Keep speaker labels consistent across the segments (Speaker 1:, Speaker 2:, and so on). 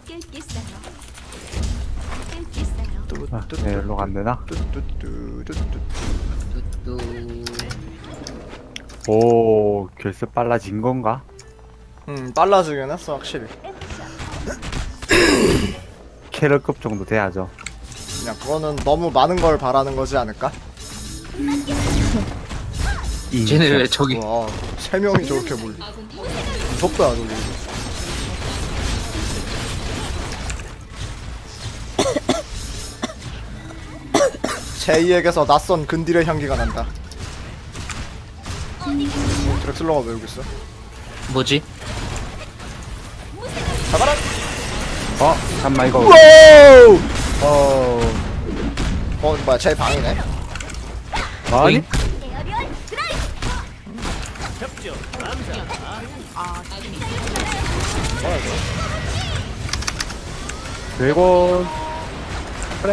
Speaker 1: 네, 일로 간대나?
Speaker 2: 뚜뚜.
Speaker 1: 오, 결승 빨라진 건가?
Speaker 3: 빨라지긴 했어 확실히.
Speaker 1: 캐럴급 정도 돼야죠.
Speaker 3: 그냥 그거는 너무 많은 걸 바라는 거지 않을까?
Speaker 2: 쟤네 왜 저기
Speaker 3: 와, 3명이 저렇게 몰리. 무섭다 저기. 제이에게서 낯선 근딜의 향기가 난다. 드렉슬러가 왜 여기 있어?
Speaker 2: 뭐지?
Speaker 3: 잡아라!
Speaker 1: 잠깐만 이거.
Speaker 3: 와우! 뭐야, 제 방이네.
Speaker 1: 아니?
Speaker 3: 뭐야, 이거?
Speaker 1: 드래곤. 그래.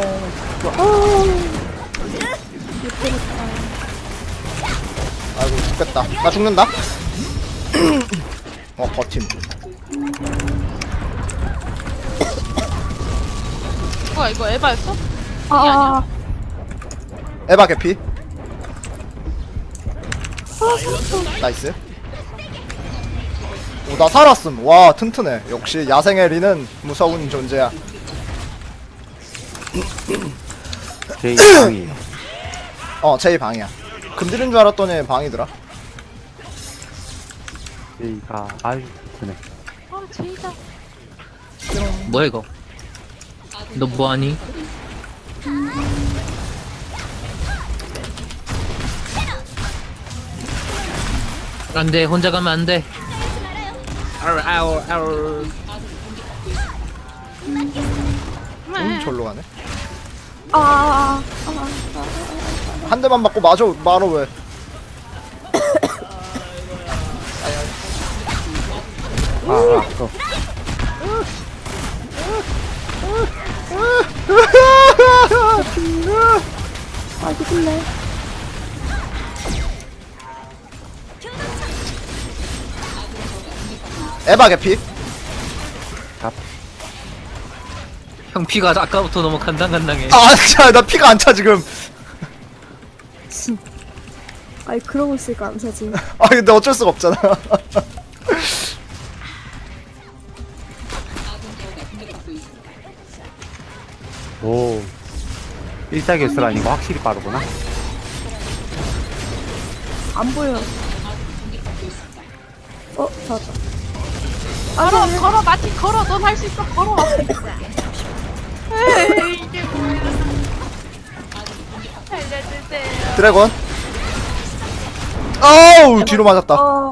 Speaker 3: 아이고, 죽겠다. 나 죽는다? 버팀.
Speaker 4: 뭐야 이거 에바였어?
Speaker 5: 아,
Speaker 3: 에바 개피. 나이스. 오, 나 살았음. 와, 튼튼해. 역시 야생의 리는 무서운 존재야.
Speaker 1: 제 이상이.
Speaker 3: 제이 방이야. 금들인 줄 알았더니 방이더라.
Speaker 1: 제이가 아유 그네.
Speaker 4: 아 제이다.
Speaker 2: 뭐야 이거? 너 뭐하니? 안돼 혼자 가면 안돼. 아우.
Speaker 3: 절로 가네.
Speaker 5: 아,
Speaker 3: 한 대만 맞고 말어 왜?
Speaker 1: 또.
Speaker 5: 아, 죽을래.
Speaker 3: 에바 개피.
Speaker 2: 형 피가 아까부터 너무 간당간당해.
Speaker 3: 아, 진짜 나 피가 안 차 지금.
Speaker 5: 아이, 그러고 있으니까 안 사지.
Speaker 3: 아, 근데 어쩔 수가 없잖아.
Speaker 1: 오. 일사결승하니까 확실히 빠르구나.
Speaker 5: 안 보여. 잡았다.
Speaker 4: 걸어 마틴 걸어 넌 할 수 있어 걸어. 에이 이게 뭐야. 살려주세요.
Speaker 3: 드래곤. 아우, 뒤로 맞았다.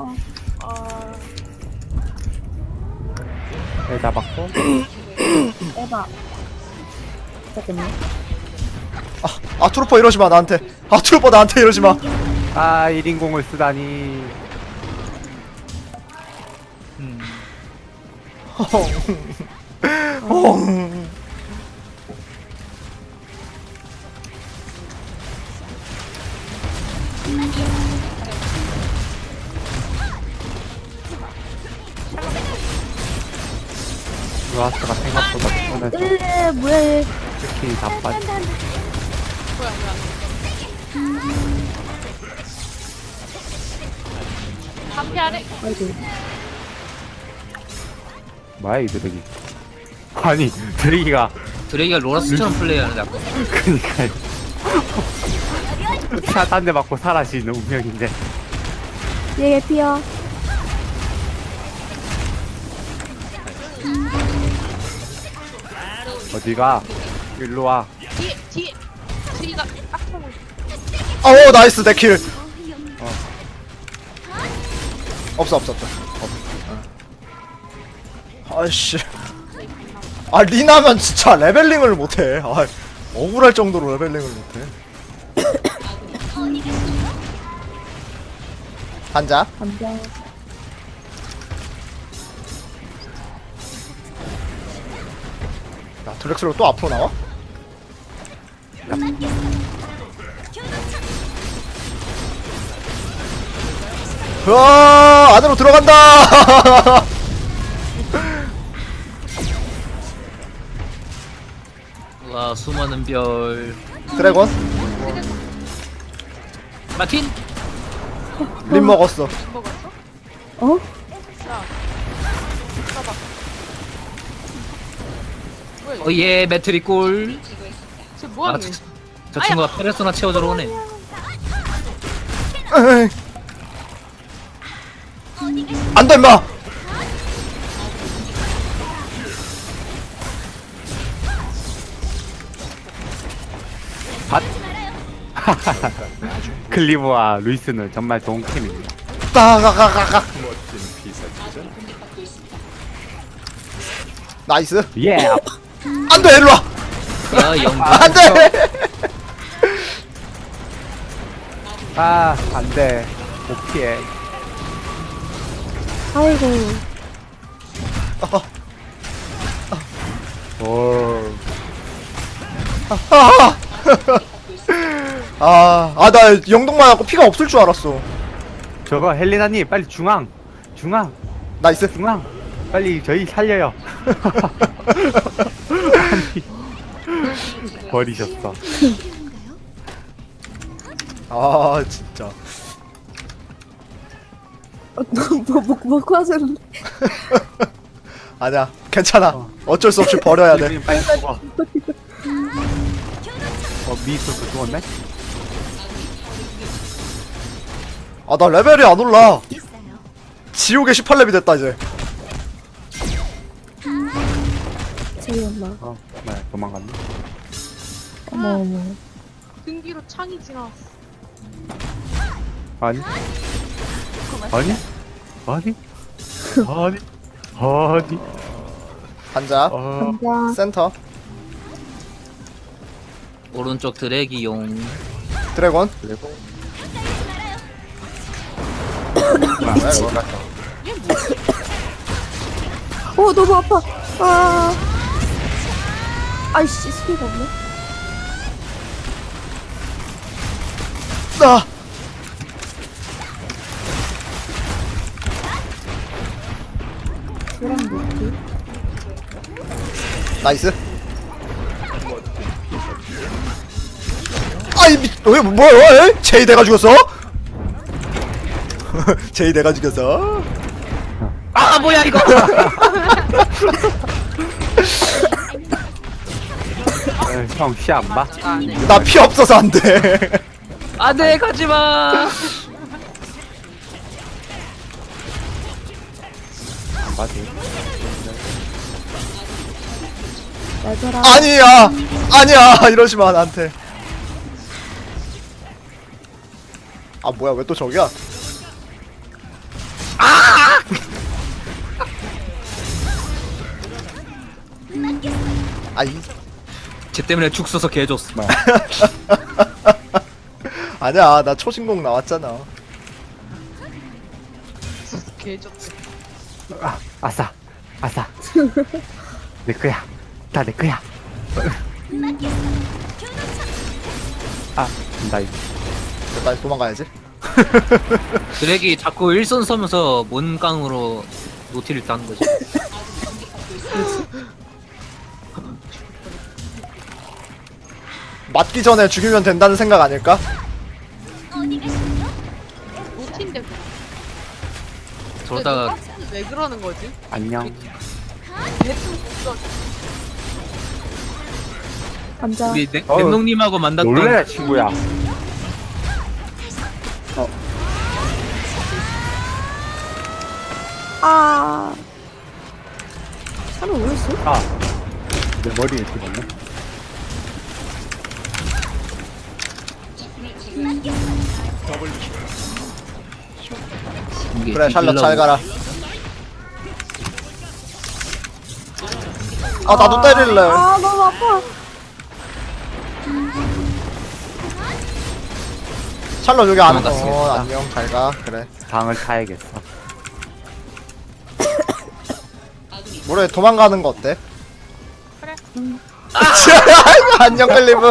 Speaker 1: 애 잡았고.
Speaker 5: 에바. 잠깐만.
Speaker 3: 아, 트루퍼 이러지 마 나한테. 아, 트루퍼 나한테 이러지 마.
Speaker 1: 아 1인공을 쓰다니. 루아스가 생각보다 편해서
Speaker 5: 뭐야, 얘.
Speaker 1: 스킬이 다 빠져.
Speaker 4: 뭐야. 한피하래.
Speaker 5: 아이고.
Speaker 1: 뭐야 이 드래기. 아니 드래기가
Speaker 2: 드레이가 로라스처럼 플레이하는데 아까.
Speaker 1: 그니까요. 딴 데 맞고 사라지는 운명인데.
Speaker 5: 얘 개피야.
Speaker 1: 어디가? 일로와.
Speaker 4: 뒤에 제이가 딱 보고 있어.
Speaker 3: 오, 나이스 내 킬. 없어. 아이씨. 아, 리나면 진짜 레벨링을 못해. 아, 억울할 정도로 레벨링을 못해. 한자.
Speaker 5: 감자.
Speaker 3: 야, 드렉슬로 또 앞으로 나와? 으아, 안으로 들어간다.
Speaker 2: 와 수많은 별.
Speaker 3: 드래곤
Speaker 2: 마틴.
Speaker 3: 림 먹었어.
Speaker 4: 먹었어?
Speaker 5: 어?
Speaker 4: 봐봐. 뭐야 이거?
Speaker 2: 어예 매트리 골.
Speaker 4: 쟤 뭐하는
Speaker 2: 저,
Speaker 4: 거야?
Speaker 2: 저 친구가 페르소나 채워주러 오네.
Speaker 3: 에이. 안 돼, 임마!
Speaker 1: 클리브와 루이스는 정말 좋은 팀입니다.
Speaker 3: 따가가가가. 나이스.
Speaker 1: 예.
Speaker 3: 안 돼, 일로 와!
Speaker 2: 야 영.
Speaker 3: 안 돼!
Speaker 1: 아, 안 돼. 못 피해.
Speaker 5: 아이고.
Speaker 1: 오.
Speaker 3: 나 영동 맞았고 피가 없을 줄 알았어.
Speaker 1: 저거 헬리나님 빨리 중앙. 중앙.
Speaker 3: 나이스.
Speaker 1: 중앙. 빨리 저희 살려요. 아니, 버리셨어.
Speaker 3: 진짜.
Speaker 5: 먹고 하세요.
Speaker 3: 아니야, 괜찮아. 어쩔 수 없이 버려야 돼.
Speaker 1: 빨리 죽어. 미스터 죽었네?
Speaker 3: 나 레벨이 안 올라. 지옥의 18렙이 됐다, 이제.
Speaker 5: 재미없나?
Speaker 1: 네, 도망갔네.
Speaker 5: 어머.
Speaker 4: 등 뒤로 창이 지나왔어.
Speaker 1: 아니? 아니? 아니? 아니? 아니?
Speaker 3: 앉아.
Speaker 5: 감자.
Speaker 3: 센터.
Speaker 2: 오른쪽 드래기용.
Speaker 3: 드래곤.
Speaker 1: 그리고
Speaker 5: 너무 아파. 아이씨, 스피가 없네.
Speaker 3: 나.
Speaker 5: 그랑 뭐지?
Speaker 3: 나이스. 뭐야? 제이 내가 죽였어? 제이 내가 죽였어?
Speaker 2: 아 뭐야 이거.
Speaker 1: 형 시 안 봐?
Speaker 3: 나 피 없어서 안 돼.
Speaker 2: 안돼 가지마.
Speaker 1: 안 봐도.
Speaker 5: 얘들아.
Speaker 3: 아니야, 이러지 마, 나한테. 뭐야, 왜 또 저기야? 아이,
Speaker 2: 쟤 때문에 죽 써서 개줬어.
Speaker 3: 아니야, 나 초신공 나왔잖아.
Speaker 4: 개 좋대.
Speaker 1: 아싸. 아싸. 내 거야. 다 내 거야. 나 이거.
Speaker 3: 빨리 도망가야지.
Speaker 2: 드래기 자꾸 일선 서면서 뭔깡으로 노티를 따는 거지.
Speaker 3: 맞기 전에 죽이면 된다는 생각 아닐까?
Speaker 4: 노티인데
Speaker 2: 저러다가
Speaker 4: 왜 그러는 거지?
Speaker 1: 안녕.
Speaker 4: 대충 없어.
Speaker 5: 감자.
Speaker 2: 우리 넥농님하고 만났던
Speaker 1: 놀래라 친구야.
Speaker 5: 사람 왜 있어?
Speaker 1: 내 머리에 들었네.
Speaker 2: 이게
Speaker 3: 그래, 샬럿
Speaker 2: 뒤질라고.
Speaker 3: 잘 가라. 나도 때릴래.
Speaker 5: 너무 아파.
Speaker 3: 샬럿 여기 안
Speaker 2: 도망갔습니다.
Speaker 3: 안녕, 잘 가. 그래.
Speaker 1: 방을 타야겠어.
Speaker 3: 뭐래, 도망가는 거 어때?
Speaker 4: 그래.
Speaker 3: 안녕, 클리브.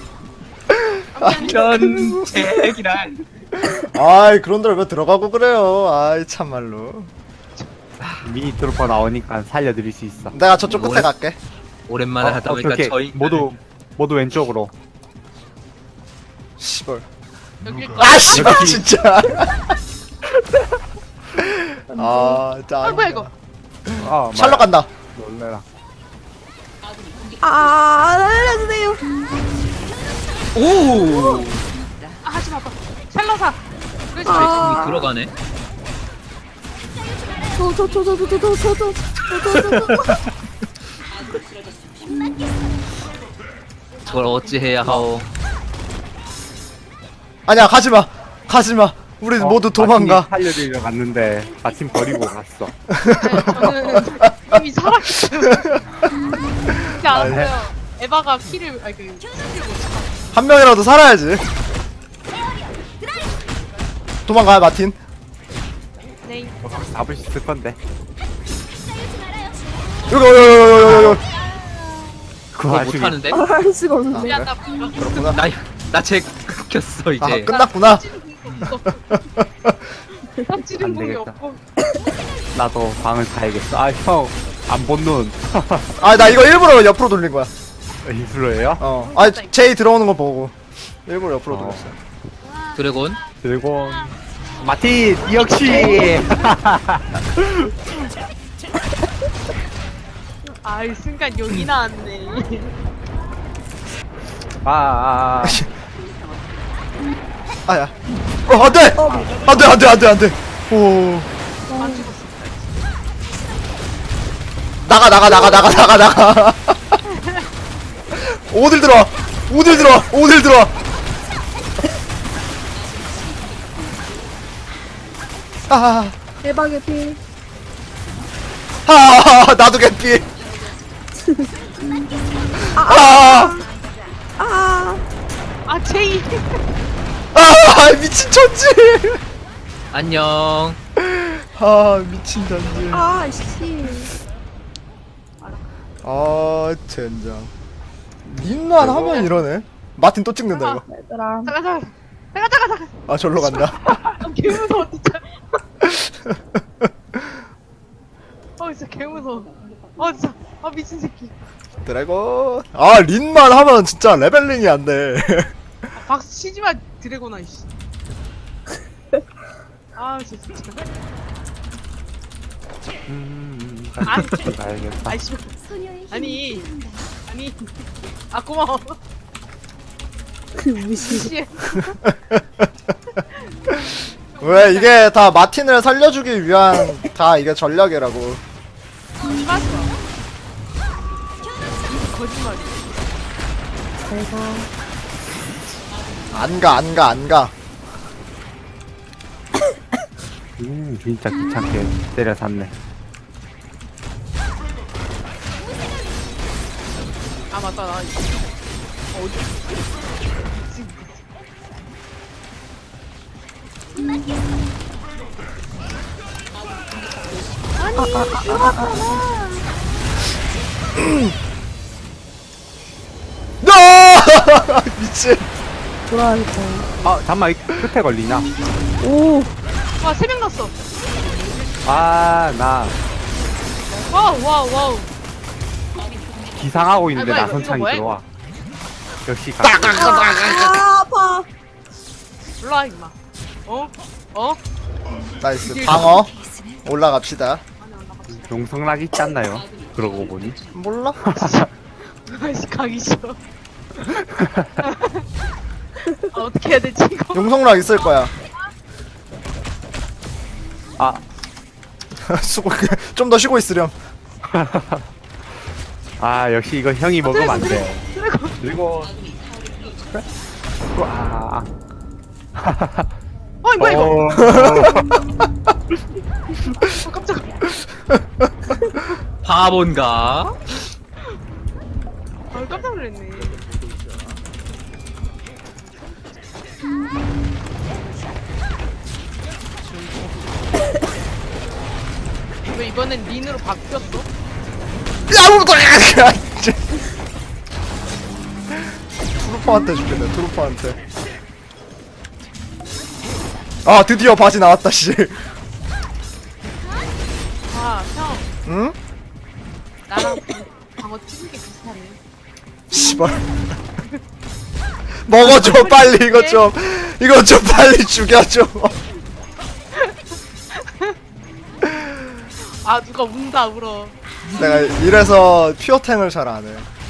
Speaker 2: 전책이란.
Speaker 3: 그런 데를 왜 들어가고 그래요. 참말로.
Speaker 1: 미니 트루퍼 나오니까 살려드릴 수 있어.
Speaker 3: 내가 저쪽 끝에
Speaker 2: 뭐래?
Speaker 3: 갈게.
Speaker 2: 오랜만에 하다 보니까
Speaker 1: 오케이.
Speaker 2: 저희
Speaker 1: 모두 모두 왼쪽으로.
Speaker 3: 씨발.
Speaker 4: 여길 거.
Speaker 3: 아 씨발 진짜. 아 짜.
Speaker 4: 아 뭐야 이거.
Speaker 1: 아,
Speaker 3: 샬럿 간다.
Speaker 1: 놀래라.
Speaker 5: 알려주세요.
Speaker 2: 오!
Speaker 4: 아 하지 마. 샬러사. 그렇지.
Speaker 5: 아.
Speaker 2: 이미 들어가네.
Speaker 5: 저.
Speaker 2: 저걸 어찌해야 하오.
Speaker 3: 아니야 가지마. 가지마. 우리 모두 도망가.
Speaker 1: 마틴이 살려드리러 갔는데 마침 버리고 갔어.
Speaker 4: 저는 이미 살았어요. 그렇게 알았어요. 에바가 키를 아니 그 킬을 못 차.
Speaker 3: 한 명이라도 살아야지. 도망가요 마틴.
Speaker 4: 네.
Speaker 1: 잡을 수 있을 건데.
Speaker 3: 여기.
Speaker 1: 그
Speaker 2: 그거
Speaker 1: 와중에
Speaker 2: 못하는데?
Speaker 5: 할 수가 없는데.
Speaker 4: 미안 나
Speaker 3: 그렇구나.
Speaker 2: 나쟤 끊겼어 이제.
Speaker 3: 아 끝났구나.
Speaker 4: 삽지는
Speaker 1: 안
Speaker 4: 공이
Speaker 1: 되겠다.
Speaker 4: 없고.
Speaker 1: 나도 방을 가야겠어. 아 형 안 본 눈.
Speaker 3: 아 나 이거 일부러 옆으로 돌린 거야.
Speaker 1: 이슬로예요?
Speaker 3: 어. 아 제이 들어오는 거 보고 일부러 옆으로 돌렸어.
Speaker 2: 드래곤.
Speaker 1: 들고 마틴 역시.
Speaker 4: 아 이 순간 여기 나왔네.
Speaker 1: 아.
Speaker 3: 아야. 안돼. 오.
Speaker 4: 안 죽었어.
Speaker 3: 나가. 어딜 들어와. 아,
Speaker 5: 대박의 피.
Speaker 3: 나도 개피. 아,
Speaker 4: 아 제이.
Speaker 3: 미친 천지.
Speaker 2: 안녕.
Speaker 3: 미친 천지.
Speaker 5: 씨.
Speaker 3: 젠장. 님만 하면 이러네. 마틴 또 찍는다 이거.
Speaker 5: 얘들아.
Speaker 4: 잠깐.
Speaker 3: 아 절로 간다.
Speaker 4: 개 무서워 진짜. 진짜 개 무서워. 진짜. 미친 새끼.
Speaker 3: 드래곤. 린만 하면 진짜 레벨링이 안 돼.
Speaker 4: 박수 치지 마 드래곤아 이씨. 진짜.
Speaker 1: 가야겠다.
Speaker 4: 아이씨. 아니. 고마워.
Speaker 5: 무시.
Speaker 4: 씨.
Speaker 3: 왜 이게 다 마틴을 살려주기 위한 다 이게 전략이라고.
Speaker 4: 맞어. 거짓말이야.
Speaker 5: 제가
Speaker 3: 안 가.
Speaker 1: 진짜 귀찮게 때려 샀네.
Speaker 4: 맞다 나 어디 지금
Speaker 3: 미친.
Speaker 5: 돌아야겠다.
Speaker 1: 잠깐만 이 끝에 걸리나?
Speaker 5: 오.
Speaker 4: 와 3명 났어.
Speaker 1: 나
Speaker 4: 와우.
Speaker 1: 기상하고 있는데
Speaker 4: 뭐야,
Speaker 1: 나선창이
Speaker 4: 이거 뭐야,
Speaker 1: 들어와. 역시
Speaker 5: 아파.
Speaker 4: 올라와 임마.
Speaker 3: 나이스. 방어. 올라갑시다.
Speaker 1: 용성락 있지 않나요? 그러고 보니.
Speaker 3: 몰라?
Speaker 4: 아이씨 가기 싫어. 어떻게 해야 되지 이거?
Speaker 3: 용성락 있을 거야. 수고. 좀 더 쉬고 있으렴.
Speaker 1: 역시 이거 형이 먹으면 안 돼.
Speaker 4: 드래곤.
Speaker 1: 그리고
Speaker 4: 뭐야 이거?
Speaker 1: 어,
Speaker 4: 깜짝아.
Speaker 2: 바본가?
Speaker 4: 깜짝 놀랐네. 왜 이번엔 린으로 바뀌었어?
Speaker 3: 야, 트루퍼한테 죽겠네. 트루퍼한테. 드디어 바지 나왔다 씨.
Speaker 4: 형.
Speaker 3: 응?
Speaker 4: 나랑 방어 튀는 게 비슷하네.
Speaker 3: 씨발. 먹어줘 빨리 이거 좀 빨리 죽여줘.
Speaker 4: 아 누가 운다 울어.
Speaker 3: 내가 이래서 퓨어탱을 잘 안 해.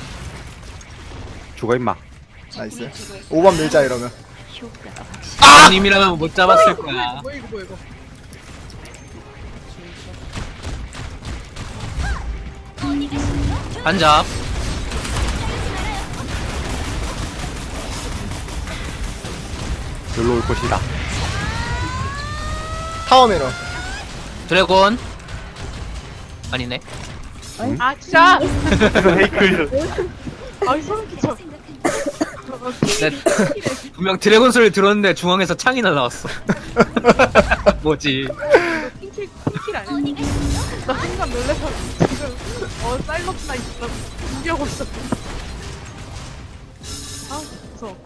Speaker 1: 죽어 임마.
Speaker 3: 나이스. 5번 밀자 이러면.
Speaker 2: 님이라면 못 잡았을 거야.
Speaker 4: 뭐 이거 뭐 이거.
Speaker 2: 반잡.
Speaker 1: 여기로 올 것이다.
Speaker 3: 타워 밀어.
Speaker 2: 드래곤. 아니네.
Speaker 4: 아 진짜.
Speaker 1: 헤이클.
Speaker 4: 아이 소름 끼쳐.
Speaker 2: 네, 분명 드래곤 소리 들었는데 중앙에서 창이 날라왔어. 뭐지?
Speaker 4: 핑킬 아니야? 나 순간 놀래서 지금 사일런트 나이트 준비하고 있었어. 아 무서워.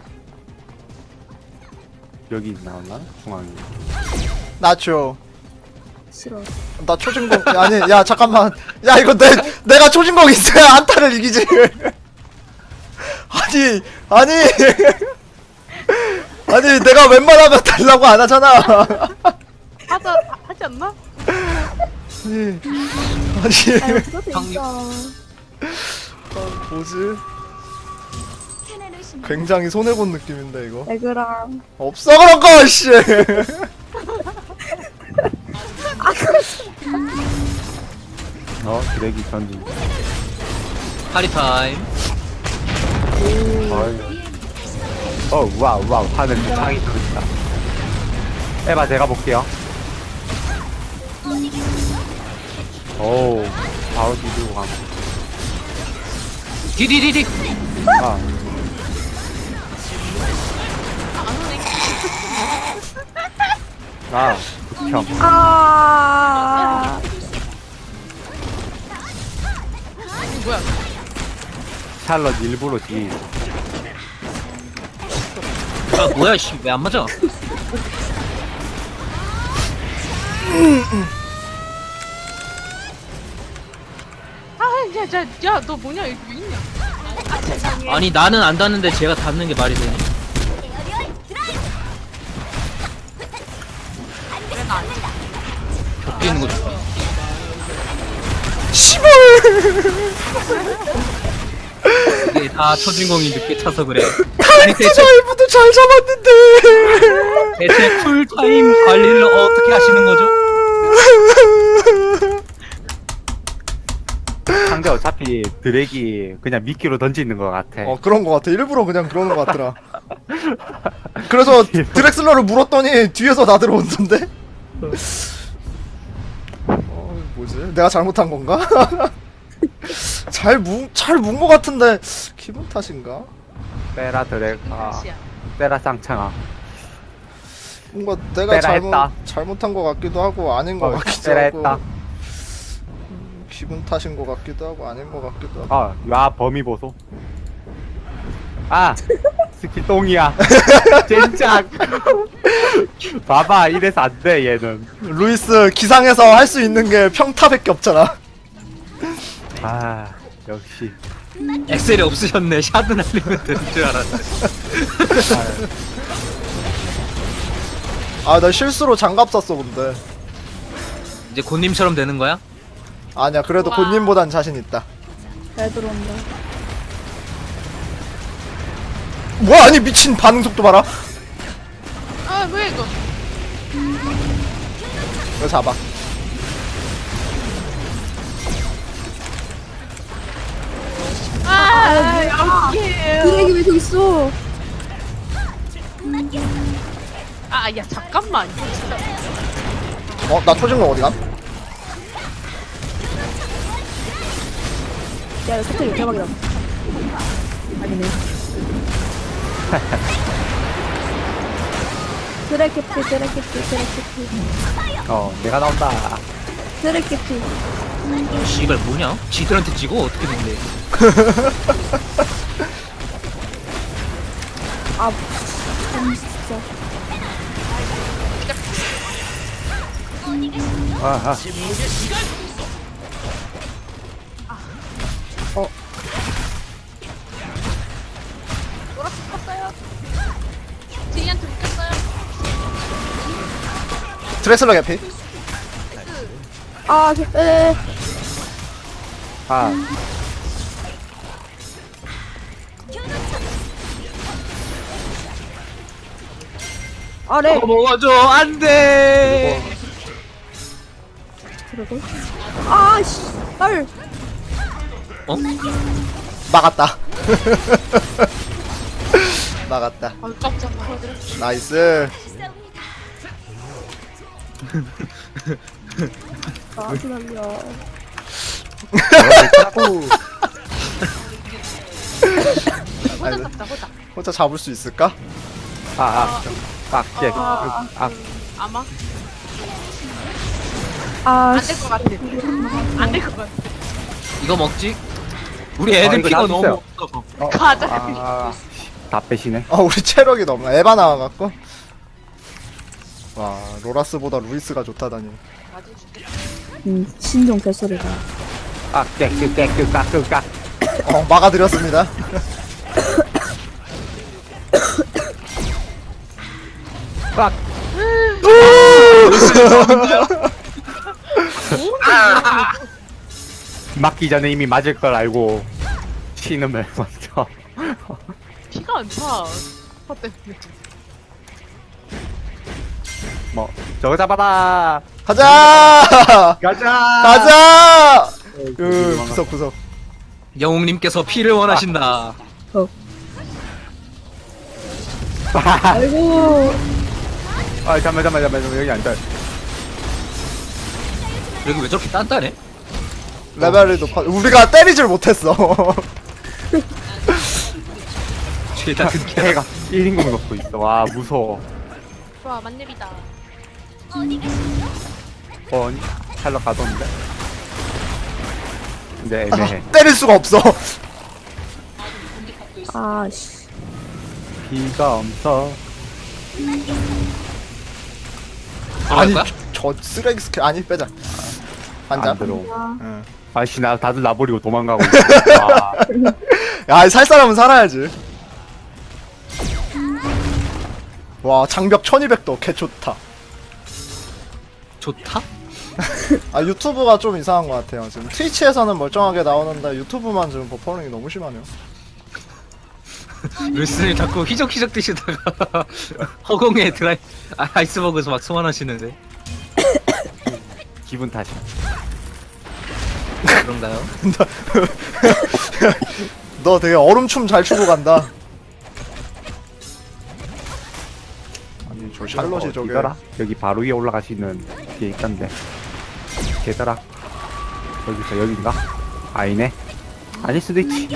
Speaker 1: 여기 나왔나? 중앙에.
Speaker 3: 나초.
Speaker 5: 싫어.
Speaker 3: 나 초진공 아니 야 잠깐만. 야 이거 내가 초진공 있어야 안타를 이기지. 아니 내가 웬만하면 달라고 안 하잖아.
Speaker 4: 하지 않나?
Speaker 3: 아니
Speaker 5: 아유, 그거 진짜.
Speaker 3: 뭐지? 굉장히 손해본 느낌인데 이거.
Speaker 5: 에그랑.
Speaker 3: 없어 그런 거 씨.
Speaker 1: 드래기 전진.
Speaker 2: 파리 타임.
Speaker 1: 와우 하늘 창이 들어있다. 에바 제가 볼게요. 오 바로 뒤로 감.
Speaker 2: 디디디디.
Speaker 1: 아 극혐.
Speaker 5: 아.
Speaker 4: 뭐야?
Speaker 1: 샬럿 일부러 뒤.
Speaker 2: 아 뭐야 씨 왜 안 맞아?
Speaker 4: 야너 뭐냐 여기 왜 있냐? 아 세상에.
Speaker 2: 아니 나는 안 닿는데 제가 닿는 게 말이 되니? 겹치는 거 좋아.
Speaker 3: 씨발.
Speaker 2: 이게 다 초진공이 늦게 차서 그래. 아니
Speaker 3: 진짜
Speaker 2: 대체,
Speaker 3: 일부도 잘 잡았는데.
Speaker 2: 대체 풀타임 관리를 어떻게 하시는 거죠?
Speaker 1: 상대 어차피 드래기 그냥 미끼로 던지는 것 같아.
Speaker 3: 그런 거 같아. 일부러 그냥 그러는 거 같더라. 그래서 드렉슬러를 물었더니 뒤에서 나 들어온던데? 뭐지? 내가 잘못한 건가? 잘 문 거 같은데 기분 탓인가?
Speaker 1: 빼라 드래가.
Speaker 4: 시야.
Speaker 1: 빼라 쌍창아.
Speaker 3: 뭔가 내가
Speaker 1: 빼라 했다.
Speaker 3: 잘못한 거 같기도 하고 아닌 거 같기도
Speaker 1: 빼라
Speaker 3: 하고
Speaker 1: 했다.
Speaker 3: 기분 탓인 거 같기도 하고 아닌 거 같기도 하고.
Speaker 1: 야 범위 보소. 스킬 똥이야. 진짜. 봐봐 이래서 안 돼 얘는.
Speaker 3: 루이스 기상에서 할 수 있는 게 평타밖에 없잖아.
Speaker 1: 역시.
Speaker 2: 엑셀이 없으셨네. 샤드 날리면 되는 줄 알았네.
Speaker 3: 나 실수로 장갑 샀어 근데.
Speaker 2: 이제 곤님처럼 되는 거야?
Speaker 3: 아니야 그래도
Speaker 4: 와.
Speaker 3: 곤님보단 자신 있다.
Speaker 5: 잘 들어온다.
Speaker 3: 뭐야 아니 미친 반응 속도 봐라.
Speaker 4: 아 뭐야 이거?
Speaker 3: 이거 잡아.
Speaker 4: 여기에요.
Speaker 5: 드랙이 왜 저기 있어?
Speaker 4: 야 잠깐만 이거 진짜.
Speaker 3: 나 초진공 어디 감?
Speaker 5: 야, 이거 사태 대박이다. 아니네. 드래캐피.
Speaker 1: 내가 나온다.
Speaker 5: 드래캐피.
Speaker 2: 씨발 뭐냐? 지들한테 지고 어떻게 된대?
Speaker 5: 진짜.
Speaker 3: 드레슬러 개피.
Speaker 5: 아,
Speaker 1: 아
Speaker 5: 아래.
Speaker 2: 먹어줘 안돼.
Speaker 5: 그러고. 아, 씨. 헐.
Speaker 2: 어?
Speaker 3: 막았다. 막았다.
Speaker 4: 아 깜짝이야.
Speaker 3: 나이스.
Speaker 5: 아, 그럼요.
Speaker 4: 호자 잡자 호자.
Speaker 3: 혼자 잡을 수 있을까?
Speaker 1: 빡게
Speaker 4: 아마
Speaker 5: 아,
Speaker 4: 안 될 것 같아. 안 될 것 같아.
Speaker 2: 이거 먹지? 우리 애들
Speaker 1: 이거
Speaker 2: 피가
Speaker 1: 나
Speaker 2: 너무
Speaker 1: 있어요.
Speaker 2: 없어.
Speaker 4: 가자.
Speaker 1: 다 빼시네.
Speaker 3: 우리 체력이 너무 에바 나와갖고. 와 로라스보다 루이스가 좋다다니.
Speaker 5: 신종 개소리가.
Speaker 1: 깍깍깍깍깍깍.
Speaker 3: 막아드렸습니다.
Speaker 1: 깍. 맞기 전에 이미 맞을 걸 알고 신음을 먼저.
Speaker 4: 피가 안 차. 화 때문에.
Speaker 1: 뭐 저거 잡아라.
Speaker 3: 가자.
Speaker 1: 가자.
Speaker 3: 가자. 구석.
Speaker 2: 영웅님께서 피를 원하신다.
Speaker 5: 아이고.
Speaker 1: 아 잠깐만 여기 앉아.
Speaker 2: 여기 왜 저렇게 단단해?
Speaker 3: 레벨이 높아. 우리가 때리질 못했어.
Speaker 2: 죄다 큰 개.
Speaker 1: 걔가 1인공 넣고 있어. 와 무서워.
Speaker 4: 좋아 만렙이다.
Speaker 1: 찰러 가던데. 근데 애매해.
Speaker 3: 때릴 수가 없어.
Speaker 5: 아, 씨.
Speaker 1: 비가 엄청.
Speaker 3: 아니
Speaker 2: 거야?
Speaker 3: 저 쓰레기 스킬 아니 빼자. 앉아.
Speaker 1: 안 들어.
Speaker 3: 응.
Speaker 1: 아씨 나 다들 나버리고 도망가고 있어.
Speaker 3: 야, 살 사람은 살아야지. 와, 장벽 1200도 개 좋다.
Speaker 2: 좋다?
Speaker 3: 아, 유튜브가 좀 이상한 것 같아요. 지금 트위치에서는 멀쩡하게 나오는데 유튜브만 지금 버퍼링이 너무 심하네요.
Speaker 2: 루스님 자꾸 휘적휘적 뛰시다가 허공에 아이스버그에서 막 소환하시는데
Speaker 1: 기분 탓이야.
Speaker 2: 그런가요?
Speaker 3: 너 되게 얼음춤 잘 추고 간다. 아니, 저 샬롯이 저게.
Speaker 1: 어디더라? 여기 바로 위에 올라가시는 게 있던데. 걔더라. 여기서 여긴가? 아니네. 아닐 수도 있지.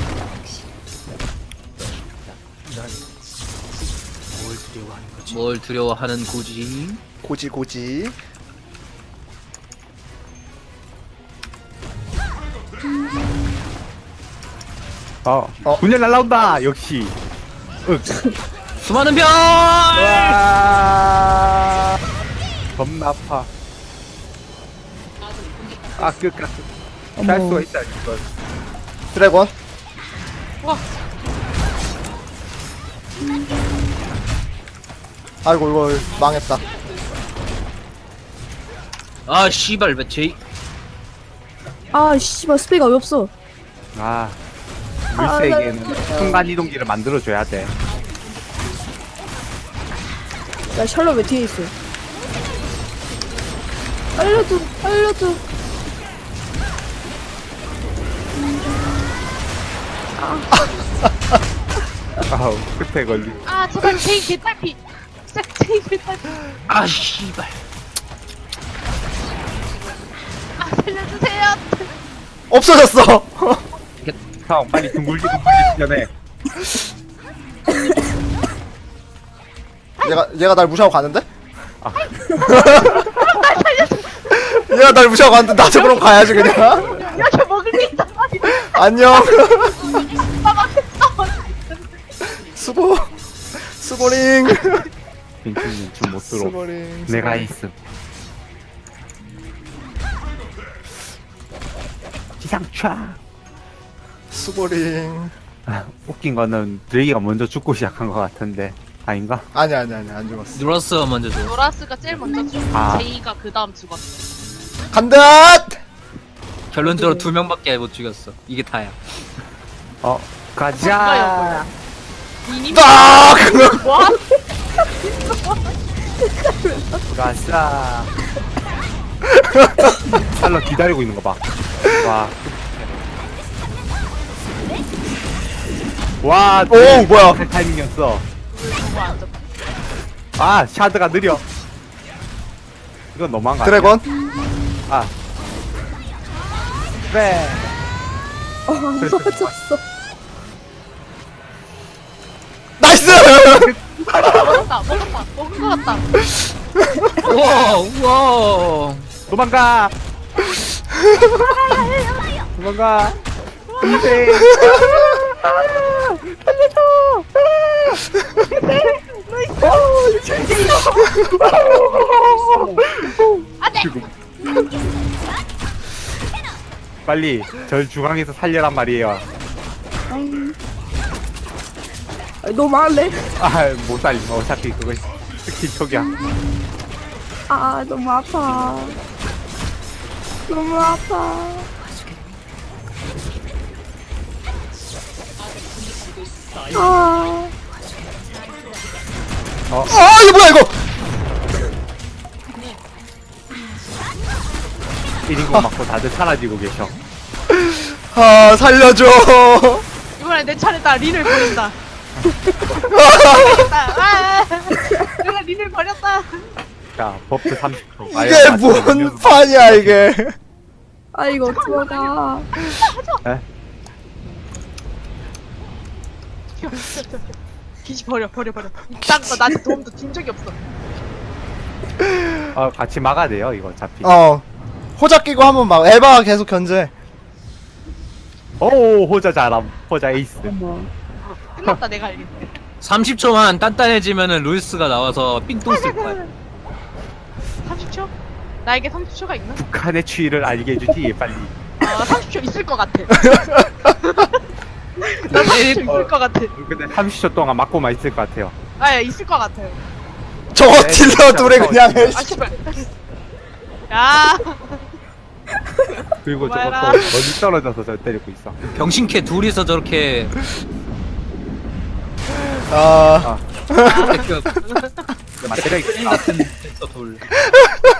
Speaker 2: 뭘 두려워하는 고지?
Speaker 3: 고지.
Speaker 1: 분열 날라온다. 역시.
Speaker 2: 수많은 별!
Speaker 1: 와. 겁나 아파. 끝. 할 수가 있다 이거.
Speaker 3: 드래곤.
Speaker 4: 와.
Speaker 3: 아이고, 이거 망했다.
Speaker 2: 아 씨발 왜 제이
Speaker 5: 아, 씨발, 스페이가 왜 없어?
Speaker 1: 물세에게는 순간 이동기를 만들어줘야 돼.
Speaker 5: 야, 샬롯 왜 뒤에 있어? 알려줘.
Speaker 1: 아우 끝에 걸리.
Speaker 4: 아 제발 제이 개딸피. 진짜 제이 개딸피.
Speaker 2: 아 씨발
Speaker 4: 아 살려주세요.
Speaker 3: 없어졌어.
Speaker 1: 형 빨리 둥글지 전에.
Speaker 3: 얘가 날 무시하고 가는데? 얘가 날 무시하고 가는데 나도 그럼 가야지 그냥.
Speaker 4: 이렇게 먹을 게 있단 말이야.
Speaker 3: 안녕.
Speaker 4: 나 막했어.
Speaker 3: 수고링.
Speaker 1: 빈티는 춤못 들어.
Speaker 3: 수고링.
Speaker 1: 내가 있음. 기상차.
Speaker 3: 수고링.
Speaker 1: 웃긴 거는 드레이가 먼저 죽고 시작한 것 같은데 아닌가?
Speaker 3: 아니 안 죽었어.
Speaker 2: 누라스가 먼저 줘.
Speaker 4: 노라스가 제일 먼저 죽고
Speaker 1: 아.
Speaker 4: 제이가 그 다음 죽었어.
Speaker 3: 간다.
Speaker 2: 결론적으로 2명밖에 못 죽였어. 이게 다야.
Speaker 1: 가자.
Speaker 4: 이님
Speaker 3: 딱.
Speaker 4: 뭐?
Speaker 1: 가자. 살러 기다리고 있는 거 봐. 와. 와,
Speaker 3: 오, 뭐야.
Speaker 1: 그 타이밍이었어.
Speaker 4: 뭐안 잡.
Speaker 1: 아, 샤드가 느려. 이건 너무한 거 아니야?
Speaker 3: 드래곤.
Speaker 1: 아. 네.
Speaker 5: 안 맞았어.
Speaker 3: 나이스.
Speaker 4: 먹었다. 먹은 거 같다.
Speaker 2: 우와, 우와.
Speaker 1: 도망가. 도망가. 이제. 빨리 절 중앙에서 살려란 말이에요.
Speaker 5: 너무 할래?
Speaker 1: 아, 못 살림. 어차피 그거 스킬 촉이야.
Speaker 5: 아, 너무 아파. 너무 아파. 아,
Speaker 3: 아 이거 뭐야 이거.
Speaker 1: 1인공 맞고 다들 사라지고 계셔.
Speaker 3: 아 살려줘.
Speaker 4: 이번에 내 차례다. 린을 버린다. 아, 내가 린을 버렸다.
Speaker 1: 자, 버프 30%.
Speaker 3: 이게 뭔 판이야 이게.
Speaker 5: 아 이거 어떡하가.
Speaker 1: 에?
Speaker 4: 기지 버려. 이딴 거 나한테 도움도 준 적이 없어.
Speaker 1: 같이 막아야 돼요, 이거 어차피.
Speaker 3: 호작 끼고 한번 막 에바가 계속 견제.
Speaker 1: 오, 호자 잘함. 호자 에이스.
Speaker 5: 어머.
Speaker 4: 끝났다 내가 알겠네.
Speaker 2: 30초만 단단해지면은 루이스가 나와서 삥똥 쓸 거야.
Speaker 4: 30초? 나에게 30초가 있나?
Speaker 1: 북한의 추위를 알게 해주지, 빨리.
Speaker 4: 아 30초 있을 것 같아. 나 30초 있을 것 같아.
Speaker 1: 근데 30초 동안 맞고만 있을 것 같아요.
Speaker 4: 아 있을 것 같아요.
Speaker 3: 저거
Speaker 1: 네,
Speaker 3: 딜러
Speaker 1: 진짜
Speaker 3: 둘이 그냥 해.
Speaker 4: 아 씨발. 야.
Speaker 1: 그리고 저거 또
Speaker 4: 고마워라.
Speaker 1: 멀리 떨어져서 저 때리고 있어.
Speaker 2: 병신캐 둘이서 저렇게
Speaker 3: 아
Speaker 2: 그
Speaker 1: 맞대려
Speaker 2: 게임
Speaker 1: 있겠다.
Speaker 2: 같은 데서 돌.